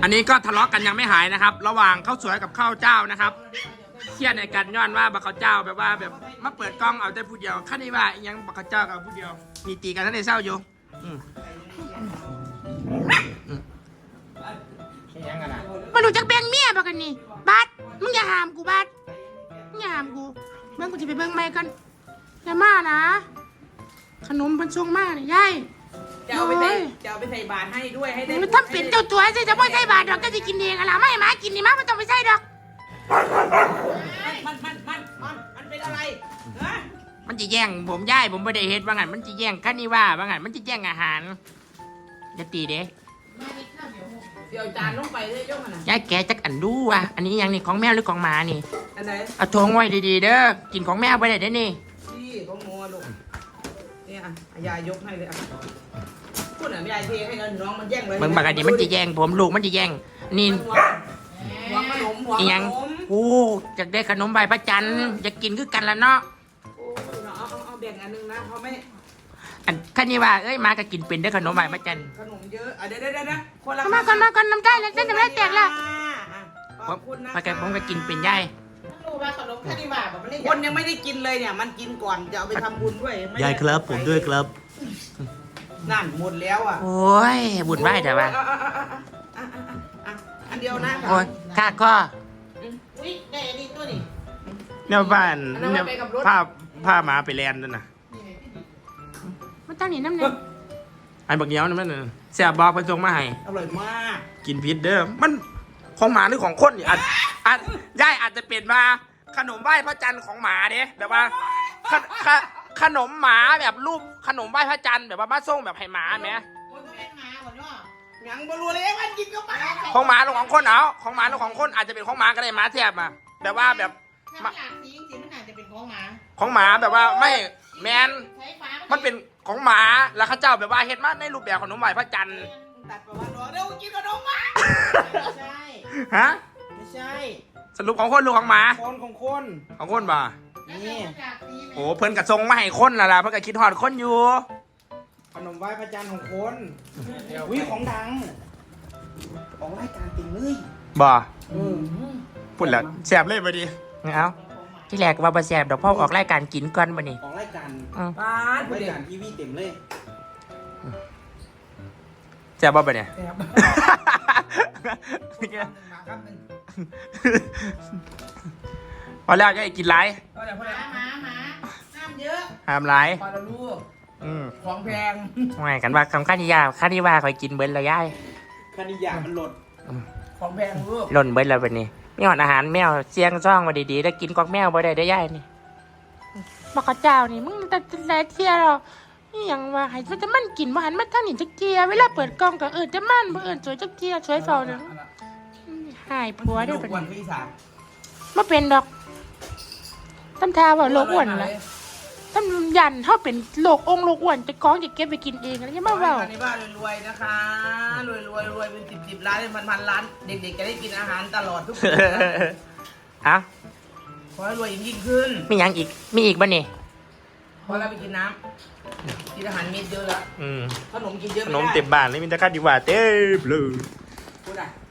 อันนี้ก็ทะเลาะกันยังไม่หายนะครับ ระหว่างข้าวสวยกับข้าวเจ้านะครับเครียดในการย้อนว่าบักข้าวเจ้าแบบว่าแบบมาเปิดกล้องเอาแต่ผู้เดียวขั้นนี้ว่ายังบักข้าวเจ้ากับผู้เดียวมีตีกันทั้งในเศร้าอยู่มาดูจากแบงเมียบอกกันนี่บัสมึงอย่าหามกูบัสมึงอย่าหามกูเบิ่งกูจะไปเบิ่งไม่กันอย่ามานะขนมเป็นช่วงมากเลยยายจะเอาไปใส่บาตรให้ด้วยให้ได้มันทำเป็นเจ้าตัวใช่จะไม่ใช่บาทดอกก็จะกินเองอะไรไม่มากินนี่มาไม่ต้องไปใส่ดอกมันเป็นอะไรฮะมันจะแย่งผมย่ายผมไม่ได้เฮ็ดว่างั้นมันจะแย่งขั้นนี้ว่างั้นมันจะแย่งอาหารจะตีเด้เดี๋ยวจานลงไปเลยยกมันนะย่ายแกจักอันดูว่ะอันนี้ยังนี่ของแมวหรือของหมานี่อันไหนเอาทงไว้ดีๆเด้อกินของแมวไปได้เด้นี่ที่ของงัวลูกนี่อ่ะยายยกให้เลยอ่ะพูดหน่อยยายเทให้เงินน้องมันแย่งเลยมึงบอกอันนี้มันจะแย่งผมลูกมันจะแย่งนี่หัวขนมหัวขนมโอ้อยากได้ขนมใบพระจันทร์อยากกินคือกันละเนาะเอาแบ่งอันนึงนะเพราะไม่อันขั้นนี้ว่าเอ้ยมาก็กินเป็นได้ขนมใบพระจันทร์ขนมเยอะเดี๋ยวคนละมาก่อนน้ำได้แล้วเส้นจะไม่แตกละผมก็กินเป็นย่ายรู้ว่าขนมแค่นี้ว่าคนยังไม่ได้กินเลยเนี่ยมันกินก่อนจะเอาไปทำบุญด้วยยายครับผมด้วยครับนั่นหมดแล้วอ่ะโอ้ยบุญไหวแต่ว่าอันเดียวนะโอ้ยข้าก็ได้อันนี้ตัวนี้เนี่ยบ้านเนี่ยผ้าหมาไปแลนด์นั่นน่ะมันตั้งนี่น้ำเนี่ยไอ้บักเนี้ยวนั่นน่ะแซ่บบอกไปส่งมาให้อร่อยมากกินพิษเด้อมันของหมาหรือของคนอาจย่ายอาจจะเปลี่ยนมาขนมไหว้พระจันทร์ของหมาเด้แบบว่าขนมหมาแบบรูปขนมไหว้พระจันทร์แบบว่ามาส่งแบบให้หมาไหมยังบรัวเลยมันกินก็มาของหมาหรือของคนเอาของหมาหรือของคนอาจจะเป็นของหมาก็ได้หมาแทบมาแบบว่าแบบหลากสีจริงๆมันอาจจะเป็นของหมาของหมาแบบว่าไม่แมนมันเป็นของหมาแล้วข้าเจ้าแบบว่าเฮ็ดมาในรูปแบบขนมไหว้พระจันทร์ตัดประวัติเดี๋ยวกินขนมหมาไม่ใช่ฮะไม่ใช่สรุปของคนหรือของหมาของคนบ่นี่โอ้เพิ่นกระทรงมาให้คนล่ะเพิ่นก็คิดฮอดคนอยู่ขนมไหว้พระจันทร์ของคนวิของดังของรายการติ่งเลยบ่พูดแล้วแซ่บเลยบ่ดิเอาที่แรกว่าบ่แซ่บดอกพ่อออกรายการกินก่อนบ่นี่ออกรายการรายการทีวีเต็มเลยแซ่บบ่บ่เนี่ยพอแล้วก็กินหลายหมาห้ามเยอะห้ามหลายพอแล้วลูกของแพงไม่กันว่าคำข้านิยาข้านิว่าคอยกินเบิ้ลแล้วย่ายข้านิยามันหล่นของแพงลูกหล่นเบิ้ลแล้วแบบนี้ไม่หอดอาหารแมวเสียงซ่องมาดีๆแล้วกินกอกแมวบ่ได้ย่ายนี่บอกข้าเจ้านี่มึงแต่ไหนเที่ยวเรานี่ยังว่าให้จะมันกินมาหันมาท่านนี่จักเกียเวลาเปิดกล้องก็จะมันบ่สวยจักเกียสวยเฝ้าเลยหายผัวได้ปะเนี่ยมาเป็นดอกตั้มทาว่าโลกอ้วนละตั้มยันเขาเป็นโลกองโลกอ้วนจะคล้องจะเก็บไปกินเองแล้วยังมาว่าในบ้านรวยนะคะรวยเป็น10 ล้านเป็นพันล้านเด็กๆจะได้กินอาหารตลอดทุกปีฮะขอให้รวยยิ่งขึ้นมียังอีกมีอีกบ้านี่พอเราไปกินน้ำกินอาหารเม็ดเยอะแล้วขนมกินเยอะขนมเต็มบ้านเลยมีแต่ข้าวดีกว่าเต็มเลยพูดอ่ะ